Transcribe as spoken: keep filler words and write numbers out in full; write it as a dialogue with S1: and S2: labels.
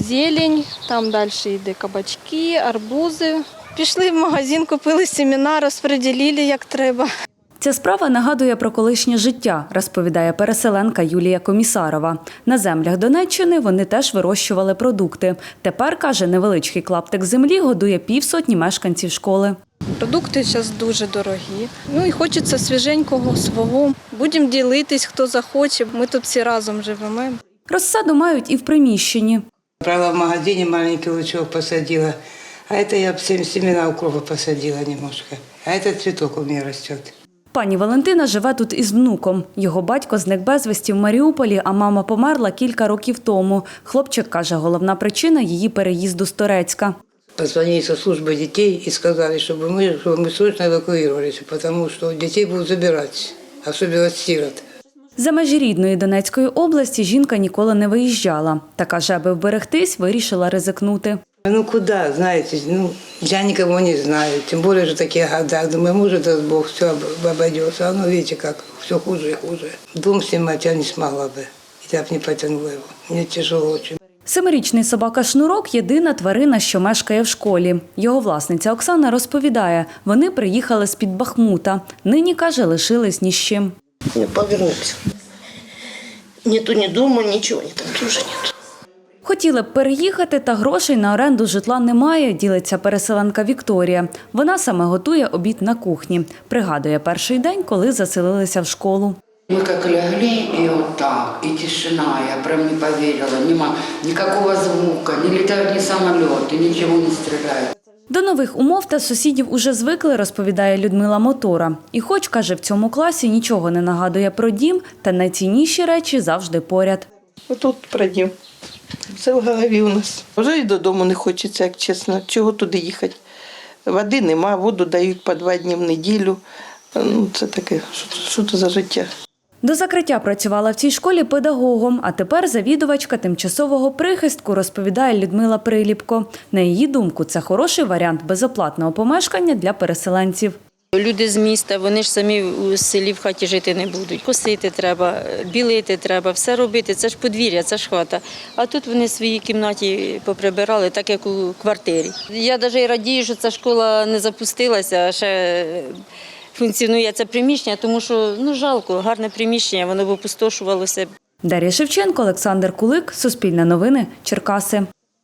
S1: зелень, там далі йде кабачки, арбузи. Пішли в магазин, купили семена, розподілили як треба.
S2: Ця справа нагадує про колишнє життя, розповідає переселенка Юлія Комісарова. На землях Донеччини вони теж вирощували продукти. Тепер, каже, невеличкий клаптик землі годує півсотні мешканців школи.
S1: Продукти зараз дуже дорогі. Ну і хочеться свіженького свого. Будемо ділитись, хто захоче. Ми тут всі разом живемо.
S2: Розсаду мають і в приміщенні.
S3: Брала в магазине, маленький лучок посадила. А это я всем семена укропа посадила немножко. А этот цветок у меня растет.
S2: Пані Валентина живе тут із внуком. Його батько зник безвісті в Маріуполі, а мама померла кілька років тому. Хлопчик каже, головна причина – її переїзду з Торецька.
S3: Позвонили со службы детей и сказали, чтобы мы, чтобы мы срочно эвакуировались, потому что детей будут забирать, особенно сирот.
S2: За межі рідної Донецької області жінка ніколи не виїжджала. Та каже, аби вберегтись, вирішила ризикнути.
S3: Ну куда, знаете, ну, я никого не знаю, тем более же такие года. Думаю, может, даст Бог, все обойдется. А ну, видите, как все хуже и хуже. Дом снимать я не смогла бы, я бы не потянула его. Мне тяжело очень.
S2: Семирічний собака Шнурок – єдина тварина, що мешкає в школі. Його власниця Оксана розповідає, вони приїхали з-під Бахмута. Нині, каже, лишились ні з чим.
S4: Не повернуться. Нету ні дому, нічого, ні там теж нету.
S2: Хотіли б переїхати, та грошей на оренду житла немає, ділиться переселенка Вікторія. Вона саме готує обід на кухні. Пригадує перший день, коли заселилися в школу.
S5: Мы как легли, и вот так, и тишина, я прям не поверила, нема никакого звука, не летают ни самолеты, ничего не стреляют.
S2: До нових умов та сусідів уже звикли, розповідає Людмила Мотора. І хоч, каже, в цьому класі нічого не нагадує про дім, та найцінніші речі завжди поряд.
S6: Отут про дім. Все в голові у нас. Вже й додому не хочеться, як чесно. Чого туди їхати? Води нема, воду дають по два дні в неділю. Ну, це таке, що, що це за життя?
S2: До закриття працювала в цій школі педагогом, а тепер завідувачка тимчасового прихистку, розповідає Людмила Приліпко. На її думку, це хороший варіант безоплатного помешкання для переселенців.
S7: Люди з міста, вони ж самі у селі в хаті жити не будуть. Косити треба, білити треба, все робити. Це ж подвір'я, це ж хата. А тут вони в своїй кімнаті поприбирали, так як у квартирі. Я навіть радію, що ця школа не запустилася, а ще функціонує це приміщення, тому що ну, жалко, гарне приміщення, воно б опустошувалося.
S2: Дар'я Шевченко, Олександр Кулик, Суспільне новини, Черкаси.